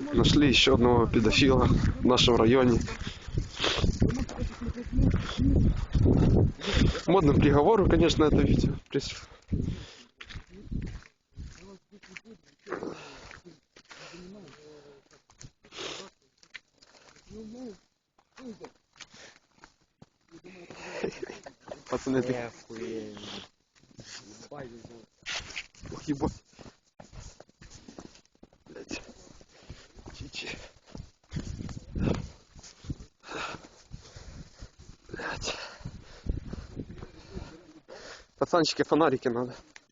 Нашли еще одного педофила в нашем районе. Модным приговору, конечно, это видео. Пацаны, ты... Ох, ебать. Блять. Чичи. Блять. Пацанчики, фонарики надо.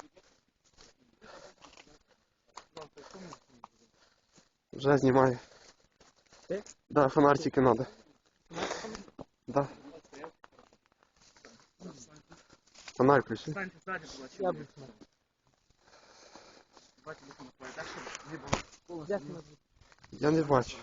Уже снимаю. Да, фонарики надо. Да. Фонарь включи. Я не бачу.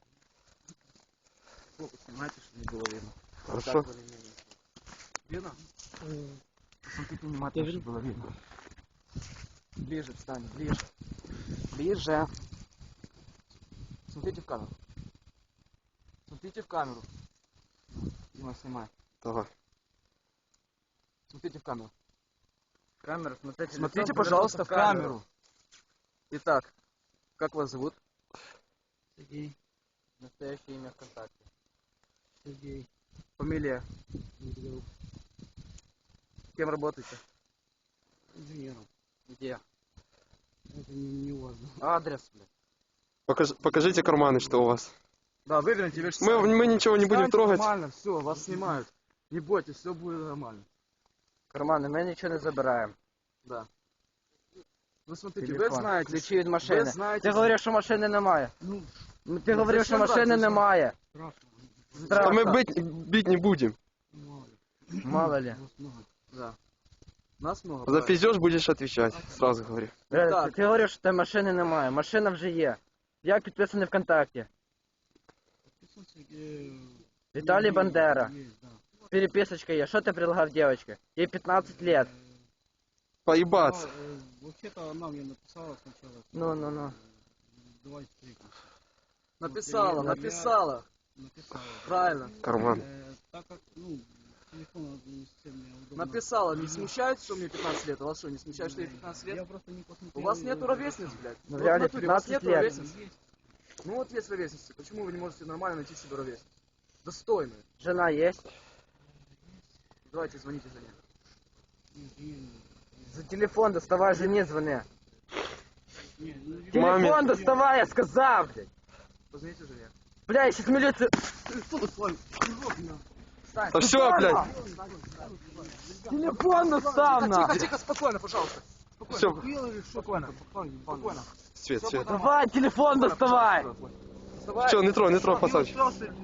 Снимайте, чтобы не было видно. Хорошо. Видно? Смотрите внимательно, чтобы было видно. Ближе встань, ближе. Ближе. Смотрите в камеру. Смотрите в камеру. Дима, снимай. Давай. Смотрите в камеру. Камеру, смотрите. Смотрите, пожалуйста, в камеру. Итак, как вас зовут? Сергей. Настоящее имя ВКонтакте. Сергей. Фамилия? Кем работаете? Инженером. Где? Это не важно. Адрес, блядь. Покажите карманы, что у вас. Да, выверните вещи. Мы ничего не будем трогать. Нормально, все, вас снимают. Не бойтесь, все будет нормально. Кармани, ми нічого не забираємо. Да. Ну смотрите, Телефон. ви знаєте. Ключі від машини. Ви знаєте. Ти говорив, що машини немає. Ну, Ти говорив, що машини немає. А мы бить не будем. Мало ли. Да. Нас много. За пиздеж будешь отвечать, сразу говорю. Так. Ти говорив, що тебе машини немає. Машина вже є. Як підписаний ВКонтакті? Віталій Бандера. Переписочка є. Що ти предлагав девочке? Ей 15 лет. Поебаться. Вообще-то она мне написала сначала. Ну. Давай встретимся. Написала. Правильно. Карман. Так как, телефон не совсем мне удобно. Написала, не смущает, что мне 15 лет? А вас что, не смущает, что ей 15 лет? Я просто не посмотрел. У вас нету ровесниц, блядь? Ну, Вот в реально, натуре, у вас 15 нету лет. ровесниц. Ну вот есть ровесницы. Почему вы не можете нормально найти себе ровесницу? Достойную. Жена есть? Давайте звоните за ней. За телефон доставай, жене звони. Маме. Телефон доставай, я сказал, блядь. Позвоните жене. Бля, я сейчас милицию... Встань. Да все, блядь. Телефон достав, на. Тихо, спокойно, пожалуйста. Все. Спокойно. Спокойно. Свет. Давай, телефон доставай. Вставай. Все, не трогай, пацанчик.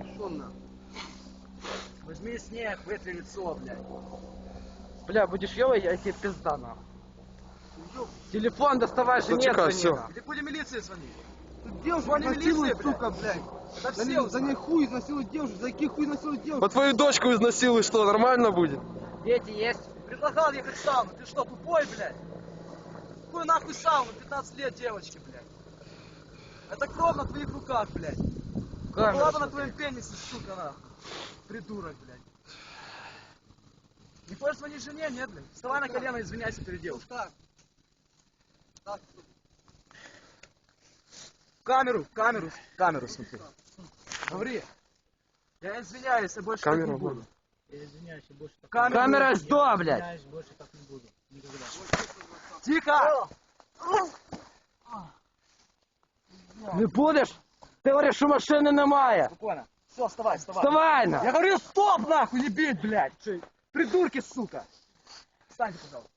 Возьми снег, вытри лицо, блядь. Бля, будешь ёвой, я тебе пизда, нахуй. Телефон доставай, жене Зачекай, звони, всё. нахуй. Иди будем милиции звонить. Девушку Звони изнасилуют, милиции, сука, блядь. Да За все ней узнают. хуй изнасилуют девушку. За какие хуй изнасилуют девушку? Вот твою дочку изнасилуй, что, нормально будет? Дети есть? Предлагал ехать в сауну. Ты что, тупой, блядь? Какую нахуй сауну? 15 лет девочки, блядь. Это кровь на твоих руках, блядь. Камеру Была бы на смотри. твоем пенисе, сука, нахуй. Придурок, блядь. Не хочешь звонить жене? Нет, блядь. Вставай на колено и извиняйся перед девушкой. В камеру смотри. Говори. Я извиняюсь, я больше Камеру так не буду. Я извиняюсь, я больше так Камера что, блядь? извиняюсь, больше так не буду. Никогда. Тихо! Не будешь? Ты говоришь, что машины немає. Спокойно. Все, вставай. Вставай, на. Я говорю, стоп, нахуй, не бить, блядь! Придурки, сука! Встаньте, пожалуйста.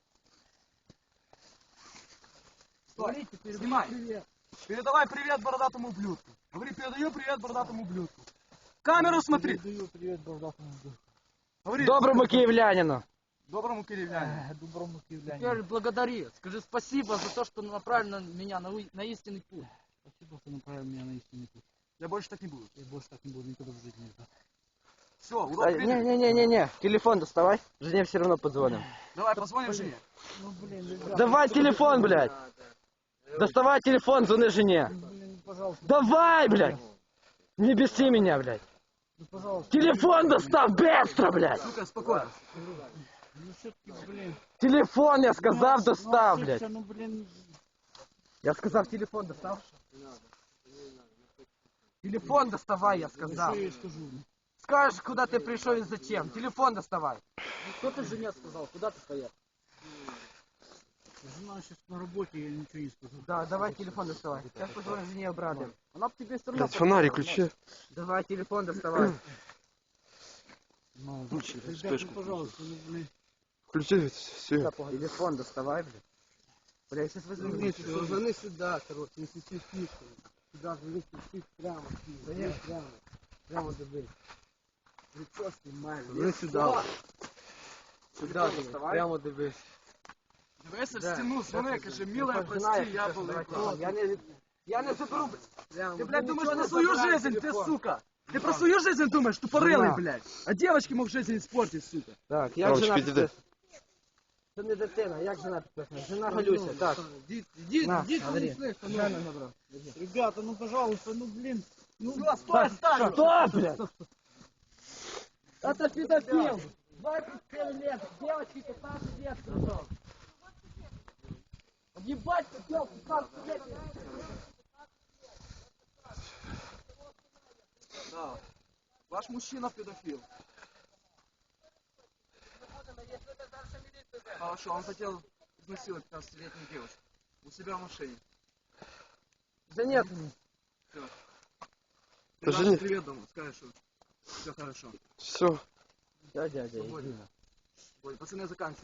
Стой, снимай. Передавай привет бородатому ублюдку. Говори, передаю привет бородатому ублюдку. В камеру смотри. Передаю привет бородатому другу. Говори. Доброму киевлянину. Доброму киевлянину. Доброму киевлянину. Теперь благодари. Скажи спасибо за то, что направил меня на истинный путь. Спасибо, что направил меня на истинный путь. Я больше так не буду. Я больше так не буду никогда в жизни. Все, урок принят. Не-не-не-не. Телефон доставай. Жене все равно позвоним. Давай, позвоним жене. Ну, блин, ребят, Давай телефон, блядь. Доставай телефон, звони жене. блин, пожалуйста. пожалуйста. Давай, блядь! Не беси меня, блядь! Ну, пожалуйста. Телефон доставь быстро, блядь! Сука, спокойно. Ну, все-таки, блин. Телефон, я сказал, Ну, достав, ошибся, блядь! Ну, блин. Я сказал, телефон достав. Телефон доставай, я Что сказал. я ей скажу? Скажешь, куда ты пришел и зачем. Телефон доставай. Что ты жене сказал? Куда ты поехал? Жена сейчас на работе, я ничего не скажу. Да, давай телефон доставай. Сейчас позвоню жене обратно. Она б тебе все равно... Блядь, фонарик включи. Давай телефон доставай. Ну, Включи, ребят, вспышку. ну, пожалуйста, ну, блин. Включи все. Телефон доставай, блядь. Бля, я сейчас возьму. Звони сюда, короче, не сиси фишку. Сюда звони, сиси прямо. Звони прямо. Прямо забей. Лицо снимай. Звони сюда. Сюда доставай. Прямо дивись. Дивися, Да. стіну, дзвони, каже, милая, Жена, прости, я сейчас был давай игрок. телефон. Я не заберу, блядь. Ты, блядь, думаешь ничего про не свою забирай жизнь, ты, телефон. сука? Ты про свою жизнь думаешь, тупорылый, Жена. блядь. А девочки мог жизнь испортить, сука. Так, як Ромчик, жена іди. підписана? Це не дитина, як жена підписана? Жена Галюся, так. Иди, На, иди, смотри. слышь, Жена набрав. Ребята, ну, пожалуйста, ну, блин. Ну, Все, стой, оставь. Что, блядь? Это педофил. 27 лет, девочки 15 лет, кружок. Ебать, хотел 15 лет. Да. Ваш мужчина педофил. Хорошо, он хотел изнасиловать 15-летнюю девушку. У себя в машине. Да нет. Жени. Привет дома, скажешь, что все хорошо. Все. Да, дядя, Свободен. иди. Ой, пацаны, заканчивай.